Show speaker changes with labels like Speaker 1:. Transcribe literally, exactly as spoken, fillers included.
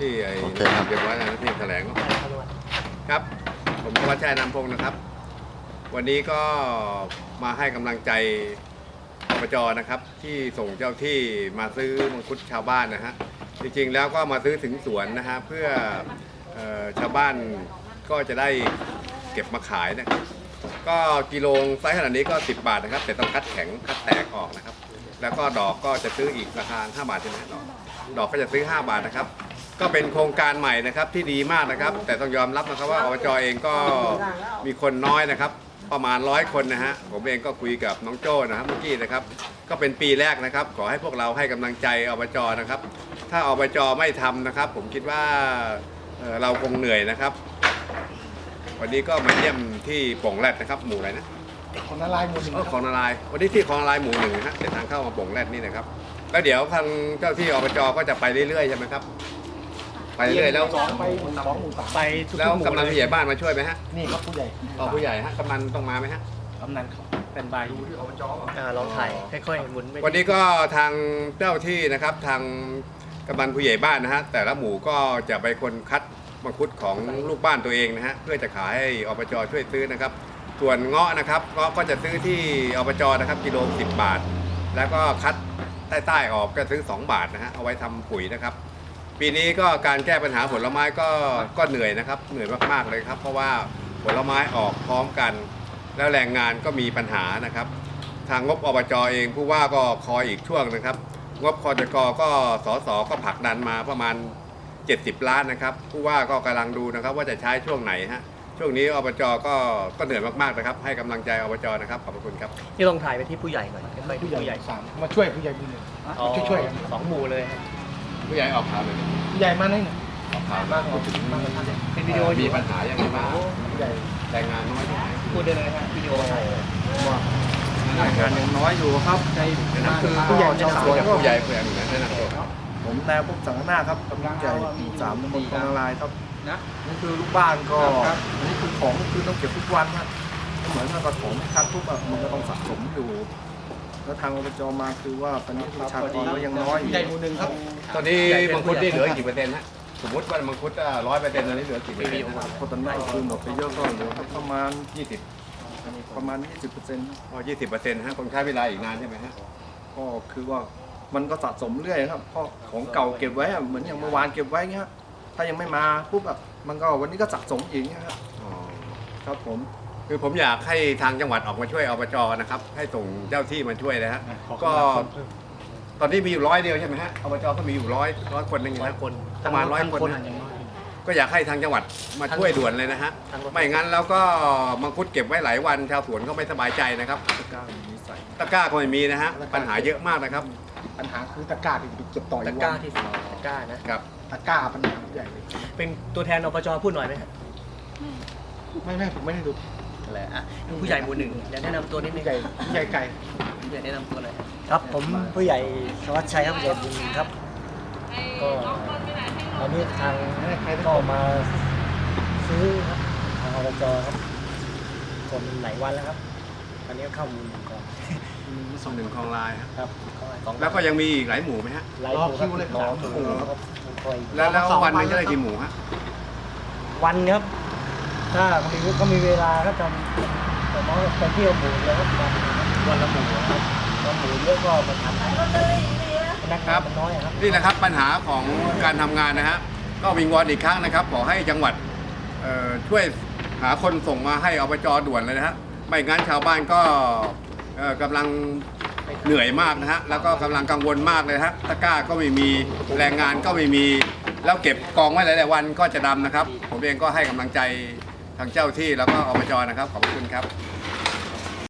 Speaker 1: ที่ไอ้
Speaker 2: โอเคครับ
Speaker 1: เก็บไว้นะที่แถลงครับผมธวัชชัยนามพงศ์นะครับ วันนี้ก็มาให้กำลังใจอบจนะครับที่ส่งเจ้าที่มาซื้อมังคุดชาวบ้านนะฮะจริงๆแล้วก็มาซื้อถึงสวนนะฮะเพื่อเอ่อชาวบ้านก็จะได้เก็บมาขายนะครับก็กิโลไซส์ขนาดนี้ก็สิบบาทนะครับแต่ต้องคัดแข็งคัดแตกออกนะครับแล้วก็ดอกก็จะซื้ออีกราคาห้าบาทใช่ไหมดอกดอกก็จะซื้อห้าบาทนะครับก็เป็นโครงการใหม่นะครับที่ดีมากนะครับแต่ต้องยอมรับนะครับว่าอบจเองก็มีคนน้อยนะครับประมาณร้อยคนนะฮะผมเองก็คุยกับน้องโจ้นะครับเมื่อกี้นะครับก็เป็นปีแรกนะครับขอให้พวกเราให้กำลังใจอบจนะครับถ้าอบจไม่ทำนะครับผมคิดว่าเอ่อเราคงเหนื่อยนะครับวันนี้ก็มาเยี่ยมที่โป่งแรดนะครับหมู่อะไรนะ
Speaker 3: ของนารายณ์หมู่หนึ่ง
Speaker 1: เออของนารายณ์วันนี้ที่ของนารายณ์หมู่หนึ่งนะฮะเส้นทางเข้ามาโป่งแรดนี่นะครับแล้วเดี๋ยวทางเจ้าที่อบจก็จะไปเรื่อยๆใช่ไหมครับไปเรื่อยๆแล้ว
Speaker 3: สองไปหมู่สองหมู่สาม
Speaker 4: ไปทุก
Speaker 1: แล้ว
Speaker 4: หมู่
Speaker 1: กำนันผู้ใหญ่บ้านมาช่วยไหมฮะ
Speaker 3: นี่ครับผู้ใหญ่
Speaker 1: อ๋อผู้ใหญ่ฮะกำนันต้องมาไหมฮะ
Speaker 4: กำนันเขาเป็นใบดูที่อบจอ่าลองถ่ายค่อยๆหมุนไป
Speaker 1: วันนี้ก็ทางเจ้าที่นะครับทางกำนันผู้ใหญ่บ้านนะฮะแต่ละหมู่ก็จะไปคนคัดมังคุดของลูกบ้านตัวเองนะฮะเพื่อจะขายให้อบจช่วยซื้อนะครับส่วนเงาะนะครับเงาะก็จะซื้อที่อบจนะครับกิโลสิบบาท แล้วก็คัดใต้ๆออกก็ซื้อสองบาทนะฮะเอาไว้ทำปุ๋ยนะครับปีนี้ก็การแก้ปัญหาผลไม้ก็ก็เหนื่อยนะครับเหนื่อยมากๆเลยครับเพราะว่าผลไม้ออกพร้อมกัน แล้วแรงงานก็มีปัญหานะครับทางงบอบจเองผู้ว่าก็คอยอีกช่วงนะครับงบคจกก็สสก็ผลักดันมาประมาณเจ็ดสิบล้านนะครับผู้ว่าก็กำลังดูนะครับว่าจะใช้ช่วงไหนฮะช่วงนี้อบจก็ก็เหนื่อยมากๆนะครับให้กำลังใจอบจนะครับขอบคุณครับ
Speaker 4: นี่ลองถ่ายไปที่ผู้ใหญ่หน่อยไปที่
Speaker 3: ผู้
Speaker 4: ผู้
Speaker 3: ให
Speaker 4: ให
Speaker 3: ญ่
Speaker 4: ญ่
Speaker 3: สามมาช่วยผู้ใหญ่หมู่หนึ่ง
Speaker 4: อ๋อ
Speaker 3: ช่วยช่วยๆกัน
Speaker 4: สองหมู่เลย
Speaker 1: ผู้ใหญ่ออกข่าวเลย
Speaker 3: ผู้ใหญ่มาไหนเนี่ย
Speaker 1: ออกข่าวมากถึง
Speaker 4: เป็นวิดีโอ
Speaker 1: มีปัญหาอย่างไรบ้าง
Speaker 3: ผู้ใหญ่
Speaker 1: แรงงานน้อยที่ไหน
Speaker 4: พูดได้เลยฮะวิดีโอถ่าย
Speaker 3: ว่า
Speaker 1: แรงงาน
Speaker 5: ยังน้อยอยู่ครับใน
Speaker 1: นั่นคือ
Speaker 3: ผู้ใหญ่ชาวสวนก็
Speaker 1: ผู้ใหญ่ผู้ใหญ่หนึ่งนะแนะนำตัวครับ
Speaker 5: ผมนายพบสังฆนาครับกำลังใจหมู่สามตำบลคลองนารายณ์ครับนะนี่คือลูกบ้านก็อันนี้คือของคือต้องเก็บทุกวันครับเหมือนกับของไม่คัดทุกแบบมันก็ต้องสะสมอยู่ แล้วทางอบจมาคือว่าตอนนี้ประชากรก็ยังน้อยอ
Speaker 3: ผู้
Speaker 5: ยู่
Speaker 3: ใหญ่หมู่หนึ่งครับ
Speaker 1: ตอนนี้มังคุดนี่เหลือกี่เปอร์เซ็นต์ฮะสมมติว่ามังคุดร้อยเปอร์เซ็นต์ตอนนี้เหลือกี่เปอร์เซ็นต์
Speaker 5: เพราะตอนนี้คือหมดไปเยอะก็เหลือประมาณ
Speaker 1: ยี่สิบ
Speaker 5: ประมาณ ยี่สิบเปอร์เซ็นต์
Speaker 1: อ๋อยี่สิบเปอร์เซ็นต์ฮะคงใช้เวลาอีกนานใช่ไหมฮะ
Speaker 5: ก็คือว่ามันก็สะสมเรื่อยครับเพราะของเก่าเก็บไว้อะเหมือนอย่างเมื่อวานเก็บไว้เงี้ยถ้ายังไม่มาปุ๊บแบบมันก็วันนี้ก็สะสมอีกเงี้ยครับ
Speaker 1: อ๋อ
Speaker 5: ครับผม
Speaker 1: คือผมอยากให้ทางจังหวัดออกมาช่วยอบจนะครับให้ส่งเจ้าที่มาช่วยนะฮะก็ตอนนี้มีอยู่ร้อยเดียวใช่ไหมฮะอบจก็มีอยู่ร้อยร้อยคนนึง
Speaker 4: ร้อย
Speaker 1: นะ
Speaker 4: คน
Speaker 1: ประมาณร้อยคนนะ ก็อยากให้ทางจังหวัดมาช่วยด่วนเลยนะฮะ
Speaker 4: ทางรถ
Speaker 1: ไม่งั้นแล้วก็มังคุดเก็บไว้หลายวันชาวสวนก็ไม่สบายใจนะครับ
Speaker 5: ตะกร้ามีนิสัย
Speaker 1: ตะกร้าก็ไม่มีนะฮะปัญหาเยอะมากนะครับ
Speaker 3: ปัญหาคือตะกร้าที่ไปเก็บต่ออ
Speaker 4: ตะ
Speaker 3: ยู่
Speaker 4: กร้า
Speaker 3: วัน
Speaker 4: ที่สองตะกร้านะครับ
Speaker 3: ตะกร้าปัญหาผู้ใหญ่เลย
Speaker 4: เป็นตัวแทนอบจพูดหน่อยไหมฮะ
Speaker 3: ไม่ไม่ผมไม่ได้ดู
Speaker 4: นั่นแหละอ่ะผู้ใหญ่หมู่หนึ่งเดี๋ยวแนะนำตัวนิดนึ
Speaker 3: ผู้
Speaker 4: ง
Speaker 3: ใหญ่ผู้ใหญ่ไก่
Speaker 4: ผู้ใหญ่แนะนำตัวหน่อย
Speaker 6: ครับผมผู้ใหญ่ธวัชชัยครับผู้ใหญ่บุญครับก็ตอนนี้ทางก็มาซื้อครับทางอบจครับคนหลายวันแล้วครับตอนนี้เข้ามูลหนึ่งก่อน
Speaker 1: ส่งหนึ่งคลองลายฮะ
Speaker 6: ครับ
Speaker 1: แล้วก็ยังมีอีกหลายหมู่ไหมฮะ
Speaker 6: หลายหมู่ครับรอคิวครับคอย
Speaker 1: แล้วแล้ววันหนึงจะได้กี่หมู่ฮะ
Speaker 6: วันครับถ้ามีก็มีเวลาก็ทำแต่น้องไปเที่ยวหมู่แล้วครับวันวันละหมู่ครับวันหมู่เยอะก็มาทำพนักงานมันน้อยอะครับ
Speaker 1: นี่นะครับปัญหาของการทำงานนะฮะก็วิงวอนอีกครั้งนะครับขอให้จังหวัดเอ่อช่วยหาคนส่งมาให้อบจด่วนเลยนะฮะไม่งั้นชาวบ้านก็เอ่อกำลังเหนื่อยมากนะฮะแล้วก็กำลังกังวลมากเลยฮะตะกร้าก็ไม่มีแรงงานก็ไม่มีแล้วเก็บกองไว้หลายๆวันก็จะดำนะครับ ผมเองก็ให้กำลังใจทางเจ้าที่แล้วก็อบจนะครับขอบคุณครับ